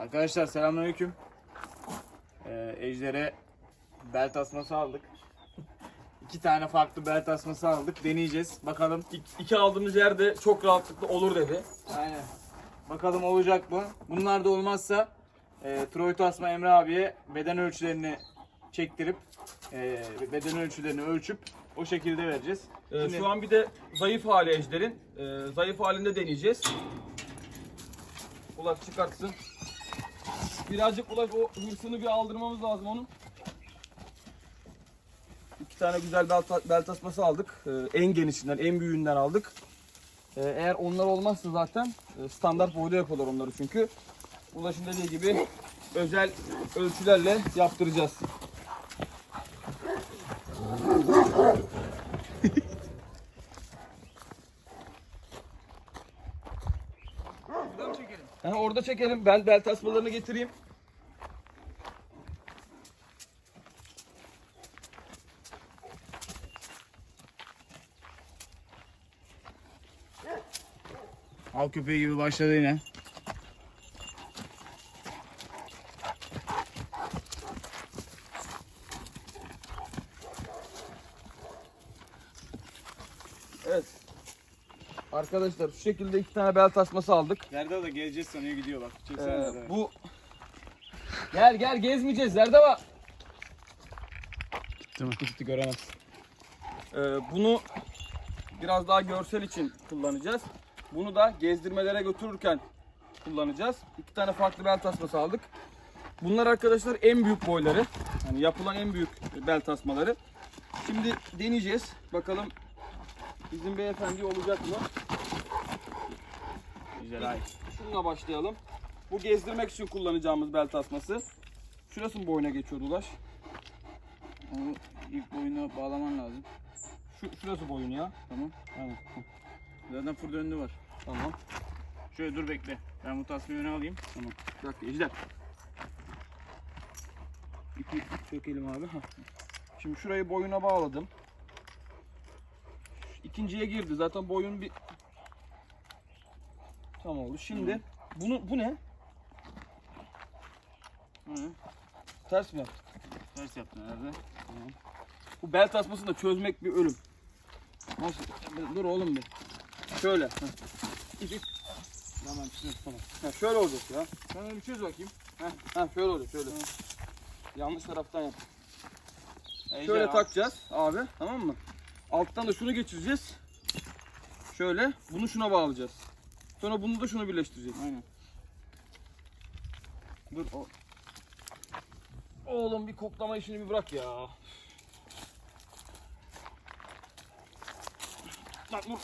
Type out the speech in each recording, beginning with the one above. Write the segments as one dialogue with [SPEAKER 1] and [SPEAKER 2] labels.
[SPEAKER 1] Arkadaşlar selamünaleyküm. Ejder'e bel tasması aldık. 2 tane farklı bel tasması aldık. Deneyeceğiz. Bakalım.
[SPEAKER 2] İki aldığımız yerde çok rahatlıkla olur dedi.
[SPEAKER 1] Aynen. Bakalım olacak mı? Bunlar da olmazsa Troy Tasma Emre abiye beden ölçülerini çektirip beden ölçülerini ölçüp o şekilde vereceğiz. Şimdi,
[SPEAKER 2] Şu an bir de zayıf hali Ejder'in. Zayıf halinde deneyeceğiz. Ulaş çıkartsın. Birazcık Ulaş o hırsını bir aldırmamız lazım onun. 2 tane güzel bel tasması aldık. En genişinden, en büyüğünden aldık. Eğer onlar olmazsa zaten standart boyda yapıyorlar onları çünkü. Ulaş'ın dediği gibi özel ölçülerle yaptıracağız.
[SPEAKER 1] Burada mı çekelim?
[SPEAKER 2] Yani orada çekelim. Ben bel tasmalarını getireyim.
[SPEAKER 1] Av köpeği gibi başladı yine.
[SPEAKER 2] Evet. Arkadaşlar şu şekilde 2 tane bel tasması aldık.
[SPEAKER 1] Zerda da geleceğiz sanıyor gidiyor bak. Çeksene Zerda.
[SPEAKER 2] Bu gel gezmeyeceğiz. Nerede var?
[SPEAKER 1] Gitti mi?
[SPEAKER 2] Gitti göremez. Bunu biraz daha görsel için kullanacağız. Bunu da gezdirmelere götürürken kullanacağız. 2 tane farklı bel tasması aldık. Bunlar arkadaşlar en büyük boyları. Yani yapılan en büyük bel tasmaları. Şimdi deneyeceğiz. Bakalım bizim beyefendi olacak mı?
[SPEAKER 1] Güzel ay.
[SPEAKER 2] Şununla başlayalım. Bu gezdirmek için kullanacağımız bel tasması. Şurası mı boyuna geçiyordu Ulaş?
[SPEAKER 1] Onu ilk boyuna bağlaman lazım.
[SPEAKER 2] Şurası boyun ya.
[SPEAKER 1] Tamam.
[SPEAKER 2] Aynen.
[SPEAKER 1] Zaten fır döndü var.
[SPEAKER 2] Tamam.
[SPEAKER 1] Şöyle dur bekle. Ben bu tasmayı öne alayım.
[SPEAKER 2] Tamam. Bir dakika Ejder. İpi çökelim abi. Hah. Şimdi şurayı boyuna bağladım. İkinciye girdi. Zaten boyun bir tam oldu. Şimdi bu ne?
[SPEAKER 1] Hı.
[SPEAKER 2] Ters mi yaptık?
[SPEAKER 1] Ters yaptın herhalde.
[SPEAKER 2] Bu bel tasmasını da çözmek bir ölüm. Nasıl? Dur oğlum bir. Şöyle. Heh. İp.
[SPEAKER 1] Tamam çiziyorum.
[SPEAKER 2] Tamam. Ha, şöyle olacak ya.
[SPEAKER 1] Sen öyle bir çöz bakayım.
[SPEAKER 2] Ha şöyle olacak şöyle. Yanlış taraftan yap.
[SPEAKER 1] Ejder
[SPEAKER 2] Şöyle
[SPEAKER 1] al.
[SPEAKER 2] takacağız abi, tamam mı? Alttan da şunu geçireceğiz. Şöyle, bunu şuna bağlayacağız. Sonra bunu da şunu birleştireceğiz.
[SPEAKER 1] Aynen.
[SPEAKER 2] Dur o. Oğlum bir koklama işini bir bırak ya. Lan dur.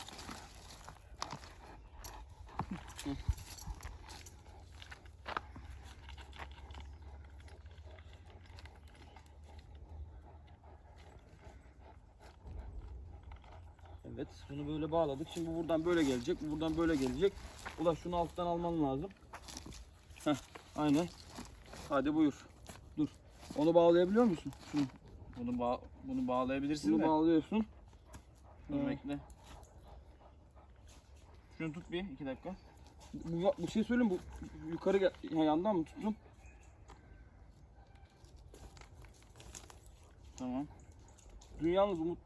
[SPEAKER 2] Evet, bunu böyle bağladık. Şimdi bu buradan böyle gelecek, bu buradan böyle gelecek. Ulan şunu alttan alman lazım. Heh, aynen. Hadi buyur. Dur. Onu bağlayabiliyor musun? Şunu.
[SPEAKER 1] Bunu bağlayabilirsin
[SPEAKER 2] Bunu
[SPEAKER 1] de.
[SPEAKER 2] bağlıyorsun.
[SPEAKER 1] Dur bekle. Şunu tut bir 2 dakika.
[SPEAKER 2] Bu şey söyleyeyim, bu yukarı gel, ya yandan mı tuttum?
[SPEAKER 1] Tamam.
[SPEAKER 2] Dün yalnız Umut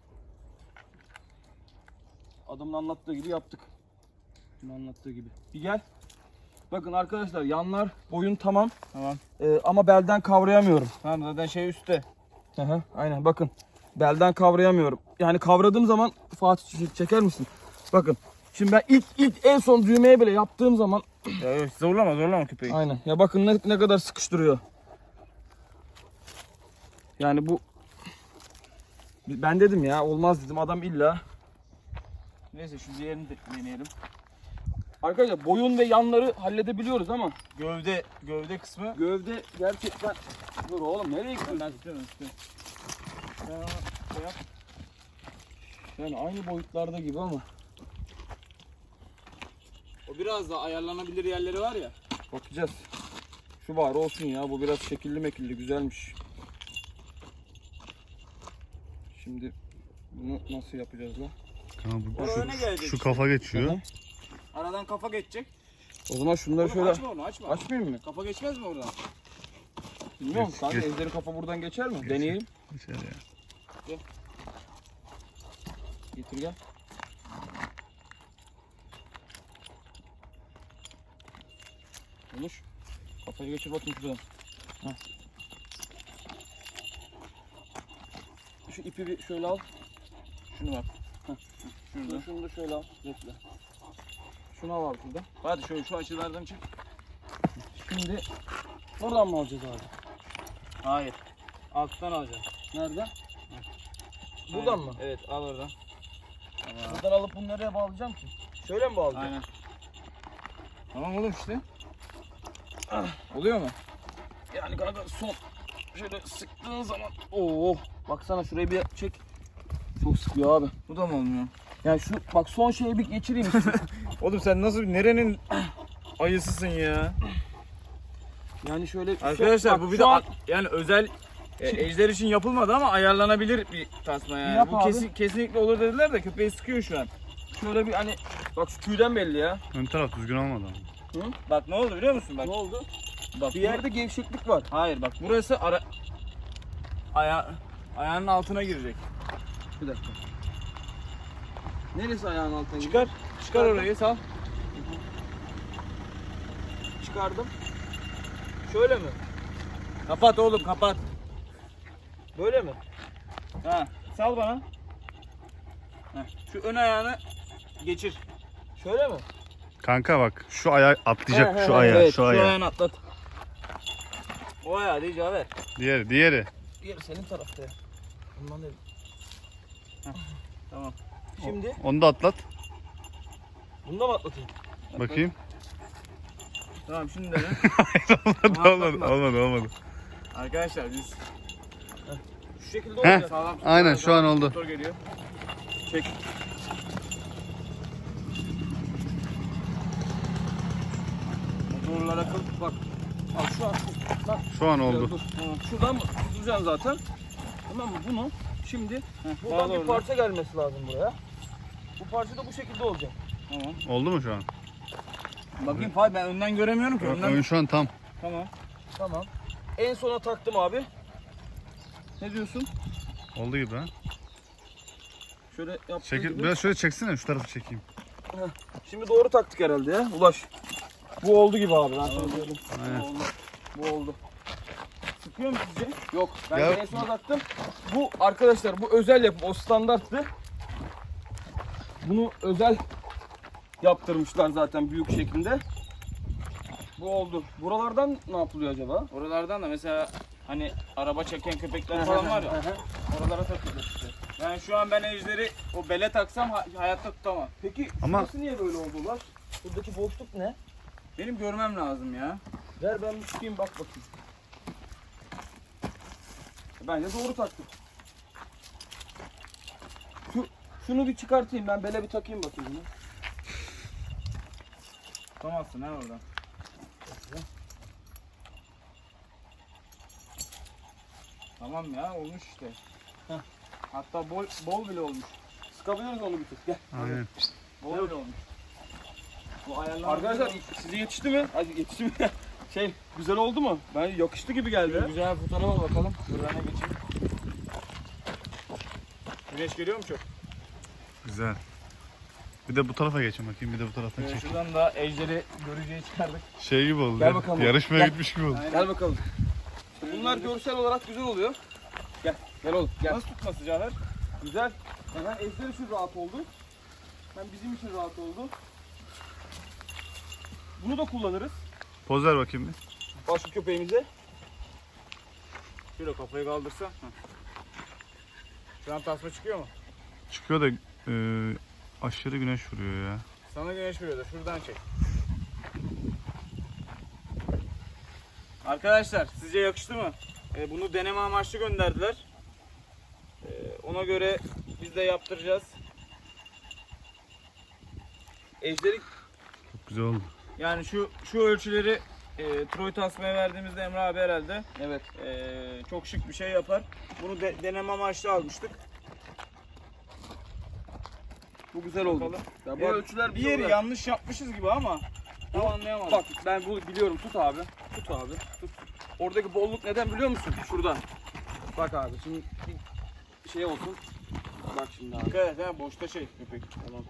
[SPEAKER 2] adamın anlattığı gibi yaptık. Dün anlattığı gibi. Bir gel. Bakın arkadaşlar yanlar boyun tamam.
[SPEAKER 1] Tamam.
[SPEAKER 2] Ama belden kavrayamıyorum.
[SPEAKER 1] Tamam zaten şey üstte.
[SPEAKER 2] Aha, aynen bakın. Belden kavrayamıyorum. Yani kavradığım zaman Fatih çeker misin? Bakın. Şimdi ben ilk en son düğmeye bile yaptığım zaman
[SPEAKER 1] Ya yok zorlama köpeği.
[SPEAKER 2] aynen. Ya bakın ne kadar sıkıştırıyor. Yani bu ben dedim ya olmaz dedim adam illa.
[SPEAKER 1] Neyse şu diğerini de deneyelim.
[SPEAKER 2] Arkadaşlar boyun ve yanları halledebiliyoruz ama
[SPEAKER 1] Gövde kısmı.
[SPEAKER 2] gövde gerçekten dur oğlum nereye gidiyorsun?
[SPEAKER 1] Ben tutuyorum.
[SPEAKER 2] Sen ona şey yap. Yani aynı boyutlarda gibi ama
[SPEAKER 1] O biraz daha ayarlanabilir yerleri var ya.
[SPEAKER 2] bakacağız. Şu var olsun ya, bu biraz şekilli mekilli güzelmiş. Şimdi bunu nasıl yapacağız lan?
[SPEAKER 1] Oraya öne gelecek.
[SPEAKER 3] Şu kafa geçiyor.
[SPEAKER 2] Aha.
[SPEAKER 1] Aradan kafa geçecek.
[SPEAKER 2] O zaman şunları
[SPEAKER 1] Oğlum
[SPEAKER 2] şöyle
[SPEAKER 1] açma onu, açma.
[SPEAKER 2] açmayayım mı?
[SPEAKER 1] Kafa geçmez mi oradan?
[SPEAKER 2] Bilmiyorum.
[SPEAKER 3] Geç,
[SPEAKER 2] Kanka
[SPEAKER 3] geç.
[SPEAKER 2] ejderi kafa buradan geçer mi?
[SPEAKER 3] Geçer.
[SPEAKER 2] Deneyelim.
[SPEAKER 3] Geçer ya.
[SPEAKER 2] Getir gel. Konuş. Kafayı geçir bakayım şuradan. Heh. Şu ipi bir şöyle al.
[SPEAKER 1] Şunu bak.
[SPEAKER 2] Şurada. Şunu da şöyle al. Bekle. Şunu al abi şuradan.
[SPEAKER 1] Hadi şöyle şu açılardan çık.
[SPEAKER 2] Şimdi buradan mı alacağız abi?
[SPEAKER 1] Hayır. Alttan alacağım.
[SPEAKER 2] Nereden? Buradan
[SPEAKER 1] Aynen.
[SPEAKER 2] mı?
[SPEAKER 1] Evet, al oradan. Tamam.
[SPEAKER 2] Buradan alıp bunu nereye bağlayacağım ki? Şöyle mi bağlayacağım?
[SPEAKER 1] Aynen. Tamam oğlum işte. Oluyor mu?
[SPEAKER 2] Yani kanka son şöyle sıktığın zaman oo baksana şurayı bir çek. Çok sıkıyor abi.
[SPEAKER 1] Bu da mı olmuyor?
[SPEAKER 2] Yani şu bak son şeyi bir geçireyim istiyorum.
[SPEAKER 1] Oğlum sen nasıl nerenin ayısısın ya?
[SPEAKER 2] Yani şöyle
[SPEAKER 1] Arkadaşlar
[SPEAKER 2] bak,
[SPEAKER 1] bu bir
[SPEAKER 2] şu
[SPEAKER 1] de
[SPEAKER 2] an
[SPEAKER 1] yani özel ejder için yapılmadı ama ayarlanabilir bir tasma yani.
[SPEAKER 2] Yap
[SPEAKER 1] Bu
[SPEAKER 2] abi.
[SPEAKER 1] kesinlikle olur dediler de köpeği sıkıyor şu an.
[SPEAKER 2] şöyle bir hani bak şu tüyden belli ya.
[SPEAKER 3] Ön taraf düzgün olmadı ama.
[SPEAKER 1] Bak ne oldu biliyor musun? Bak.
[SPEAKER 2] Ne oldu?
[SPEAKER 1] Bak
[SPEAKER 2] Bir yerde gevşeklik var.
[SPEAKER 1] hayır bak burası ayağının altına girecek.
[SPEAKER 2] Bir dakika. Neresi ayağın altına gidiyor?
[SPEAKER 1] Çıkar. Çıkar orayı sal.
[SPEAKER 2] Çıkardım. Şöyle mi?
[SPEAKER 1] Kapat oğlum kapat.
[SPEAKER 2] Böyle mi?
[SPEAKER 1] Ha, sal bana. Heh, şu ön ayağını geçir.
[SPEAKER 2] Şöyle mi?
[SPEAKER 3] Kanka bak şu ayağı atlayacak,
[SPEAKER 2] He,
[SPEAKER 3] şu
[SPEAKER 2] he,
[SPEAKER 3] ayağı,
[SPEAKER 1] Evet,
[SPEAKER 3] şu ayağı.
[SPEAKER 1] ayağını atlat. O ayağı değil Cafer.
[SPEAKER 3] Diğeri.
[SPEAKER 2] Diğeri senin tarafta ya. Ondan değil.
[SPEAKER 1] Tamam.
[SPEAKER 2] Şimdi
[SPEAKER 3] Onu da atlat.
[SPEAKER 2] bunu da mı atlatayım?
[SPEAKER 3] Bakayım.
[SPEAKER 1] Tamam şimdi dene.
[SPEAKER 3] olmadı.
[SPEAKER 1] Arkadaşlar biz
[SPEAKER 2] Şu şekilde
[SPEAKER 3] Heh.
[SPEAKER 2] olacak.
[SPEAKER 1] sağlam.
[SPEAKER 3] Aynen, şu an oldu.
[SPEAKER 1] Motor geliyor. Çek. Motorlara kıl.
[SPEAKER 2] Bak. Bak şu an. Bak.
[SPEAKER 3] Şu an oldu.
[SPEAKER 2] Dur. Şuradan tutacaksın zaten. Tamam mı? Bunu şimdi buradan
[SPEAKER 1] bağla
[SPEAKER 2] bir
[SPEAKER 1] oradan.
[SPEAKER 2] parça gelmesi lazım buraya. Bu parça da bu şekilde olacak.
[SPEAKER 1] Tamam.
[SPEAKER 3] Oldu mu şu an?
[SPEAKER 1] Bakayım Fay ben önden göremiyorum ki. Önden...
[SPEAKER 3] Ön şu an tam.
[SPEAKER 1] Tamam.
[SPEAKER 2] Tamam. En sona taktım abi. Ne diyorsun?
[SPEAKER 3] Oldu gibi ha.
[SPEAKER 2] Şöyle yaptığım
[SPEAKER 3] Çekil,
[SPEAKER 2] gibi.
[SPEAKER 3] biraz şöyle çeksene, şu tarafı çekeyim.
[SPEAKER 2] Şimdi doğru taktık herhalde ya. Ulaş. Bu oldu gibi abi. Ben sana söyleyeyim.
[SPEAKER 3] Aynen.
[SPEAKER 2] Bu oldu. Bu oldu.
[SPEAKER 1] Sıkıyor mu sizce?
[SPEAKER 2] Yok. Ben
[SPEAKER 3] Ya-
[SPEAKER 2] en sona taktım. Bu arkadaşlar bu özel yapım. O standarttı. Bunu özel yaptırmışlar zaten büyük şeklinde. Bu oldu. Buralardan ne yapılıyor acaba?
[SPEAKER 1] Oralardan da mesela hani araba çeken köpekler falan var ya. Oralara takılıyor işte. Yani şu an ben ejderi o bele taksam hayatta tutamam.
[SPEAKER 2] Peki
[SPEAKER 3] Ama-
[SPEAKER 2] şurası niye böyle oldu Ulaş? Buradaki boşluk ne?
[SPEAKER 1] Benim görmem lazım ya.
[SPEAKER 2] Ver ben bir çıkayım bak bakayım. Bence doğru taktık. Şunu bir çıkartayım ben bele bir takayım bakayım bunu.
[SPEAKER 1] Tutamazsın ha oradan. Tamam ya olmuş işte.
[SPEAKER 2] Heh.
[SPEAKER 1] Hatta bol bile olmuş.
[SPEAKER 2] Sıkabiliriz onu bir tık. Gel.
[SPEAKER 3] Aynen.
[SPEAKER 1] Bol bile olmuş. Bu ayarlar
[SPEAKER 2] Arkadaşlar size yetişti mi? Hadi yetişti mi? Güzel oldu mu? Ben yakıştı gibi geldi.
[SPEAKER 1] güzel bir fotoğrafa bakalım. Buradan geçeyim. Güneş geliyor mu çok?
[SPEAKER 3] Güzel. Bir de bu tarafa geçin bakayım, bir de bu taraftan çek.
[SPEAKER 1] Şuradan da ejderi görücüye çıkardık.
[SPEAKER 3] Şey gibi oldu.
[SPEAKER 2] Gel
[SPEAKER 3] ya,
[SPEAKER 2] bakalım.
[SPEAKER 3] Yarışmaya
[SPEAKER 2] Gel.
[SPEAKER 3] gitmiş gibi oldu.
[SPEAKER 2] Gel bakalım. Bunlar görsel olarak güzel oluyor. Gel. Gel oğlum. Gel.
[SPEAKER 1] Nasıl tutması Cafer?
[SPEAKER 2] Güzel. Hem Ejder için rahat oldu. Hem bizim için rahat oldu. Bunu da kullanırız.
[SPEAKER 3] Poz ver bakayım bir.
[SPEAKER 2] Başka köpeğimize.
[SPEAKER 1] Şöyle kafayı kaldırsa. Şu an tasma çıkıyor mu?
[SPEAKER 3] Çıkıyor da aşırı güneş vuruyor ya.
[SPEAKER 1] Sana güneş vuruyor da şuradan çek. Arkadaşlar sizce yakıştı mı? Bunu deneme amaçlı gönderdiler. Ona göre biz de yaptıracağız.
[SPEAKER 2] Ejderi
[SPEAKER 3] Çok güzel oldu.
[SPEAKER 1] Yani şu ölçüleri Troy tasmaya verdiğimizde Emre abi herhalde
[SPEAKER 2] evet.
[SPEAKER 1] çok şık bir şey yapar. Bunu deneme amaçlı almıştık.
[SPEAKER 2] Bu güzel oldu.
[SPEAKER 1] Bakalım.
[SPEAKER 2] Ya bu
[SPEAKER 1] Ya,
[SPEAKER 2] ölçüler
[SPEAKER 1] bir
[SPEAKER 2] bize
[SPEAKER 1] yeri
[SPEAKER 2] uyar.
[SPEAKER 1] yanlış yapmışız gibi ama Tam anlayamadım.
[SPEAKER 2] Bak ben bunu biliyorum. Tut abi. Tut abi. Tut. Oradaki bolluk neden biliyor musun? Şuradan. Bak abi şimdi bir şey olsun. Bak şimdi abi.
[SPEAKER 1] Dikkat et ha, boşta şey köpek.
[SPEAKER 2] Tamam.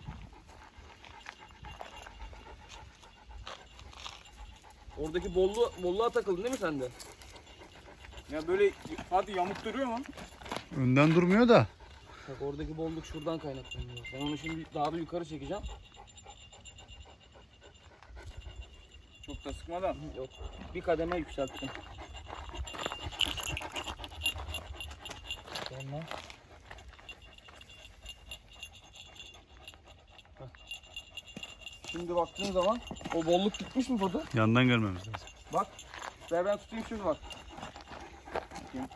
[SPEAKER 2] Oradaki bolluğa takıldın değil mi sen de?
[SPEAKER 1] Ya böyle Fatih yamuk duruyor mu?
[SPEAKER 3] Önden durmuyor da.
[SPEAKER 2] Bak oradaki bolluk şuradan kaynaklanıyor. Ben onu şimdi daha da yukarı çekeceğim.
[SPEAKER 1] Çok da sıkmadan.
[SPEAKER 2] Yok. Bir kademe yükselttim. Sonra. Şimdi baktığın zaman o bolluk gitmiş mi Foto?
[SPEAKER 3] Yandan görmemiz lazım.
[SPEAKER 2] Bak. Ver ben tutayım şimdi bak. Bakayım.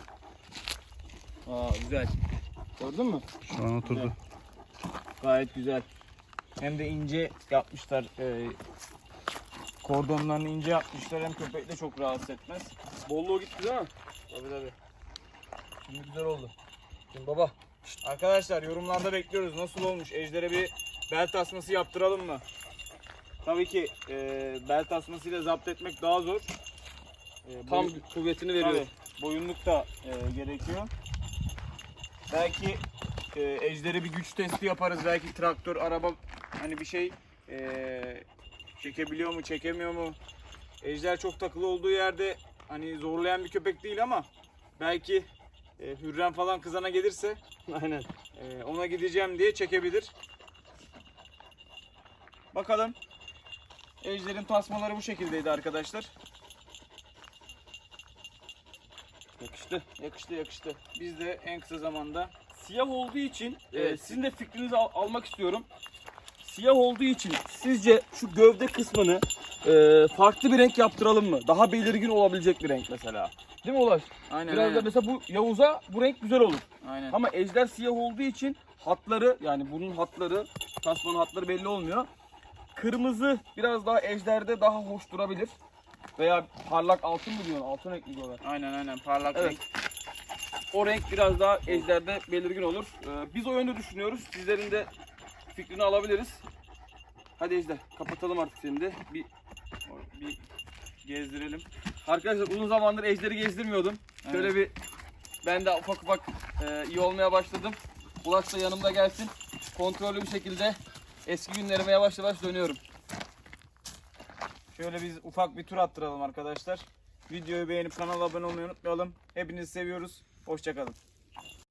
[SPEAKER 2] Aa güzel. Gördün mü?
[SPEAKER 3] Şu an oturdu.
[SPEAKER 1] Gayet güzel. Hem de ince yapmışlar. Kordonlarını ince yapmışlar. Hem köpek de çok rahatsız etmez.
[SPEAKER 2] Bolluğu gitti değil mi?
[SPEAKER 1] Tabii tabii.
[SPEAKER 2] Şimdi güzel oldu. Şimdi baba.
[SPEAKER 1] Arkadaşlar yorumlarda bekliyoruz. Nasıl olmuş? Ejder'e bir bel tasması yaptıralım mı? Tabii ki bel tasmasıyla zapt etmek daha zor.
[SPEAKER 2] Tam kuvvetini veriyor.
[SPEAKER 1] Tabii, boyunluk da gerekiyor. Belki Ejder'e bir güç testi yaparız. Belki traktör, araba hani bir şey çekebiliyor mu, çekemiyor mu? Ejder çok takılı olduğu yerde hani zorlayan bir köpek değil ama belki Hürrem falan kızana gelirse
[SPEAKER 2] Aynen.
[SPEAKER 1] ona gideceğim diye çekebilir. Bakalım. Ejder'in tasmaları bu şekildeydi arkadaşlar.
[SPEAKER 2] Yakıştı.
[SPEAKER 1] Yakıştı. Biz de en kısa zamanda
[SPEAKER 2] Siyah olduğu için
[SPEAKER 1] Evet.
[SPEAKER 2] sizin de fikrinizi almak istiyorum. Siyah olduğu için sizce şu gövde kısmını farklı bir renk yaptıralım mı? Daha belirgin olabilecek bir renk mesela. Değil mi Ulaş?
[SPEAKER 1] aynen
[SPEAKER 2] Biraz da mesela bu Yavuz'a bu renk güzel olur.
[SPEAKER 1] aynen.
[SPEAKER 2] Ama ejder siyah olduğu için hatları yani bunun hatları, tasmanın hatları belli olmuyor. Kırmızı biraz daha ejderde daha hoş durabilir. Veya parlak altın mı diyorsun? Altın renk mi diyorlar?
[SPEAKER 1] Aynen parlak
[SPEAKER 2] Evet.
[SPEAKER 1] renk.
[SPEAKER 2] O renk biraz daha ejderde belirgin olur. Biz o yönde düşünüyoruz. Sizlerin de fikrini alabiliriz. Hadi Ejder kapatalım artık seni de.
[SPEAKER 1] Bir gezdirelim.
[SPEAKER 2] Arkadaşlar uzun zamandır Ejder'i gezdirmiyordum. Şöyle
[SPEAKER 1] Evet.
[SPEAKER 2] bir ben de ufak iyi olmaya başladım. Ulaş da yanımda gelsin. Kontrollü bir şekilde eski günlerime yavaş yavaş dönüyorum.
[SPEAKER 1] Şöyle biz ufak bir tur attıralım arkadaşlar. Videoyu beğenip kanala abone olmayı unutmayalım. Hepinizi seviyoruz. Hoşça kalın.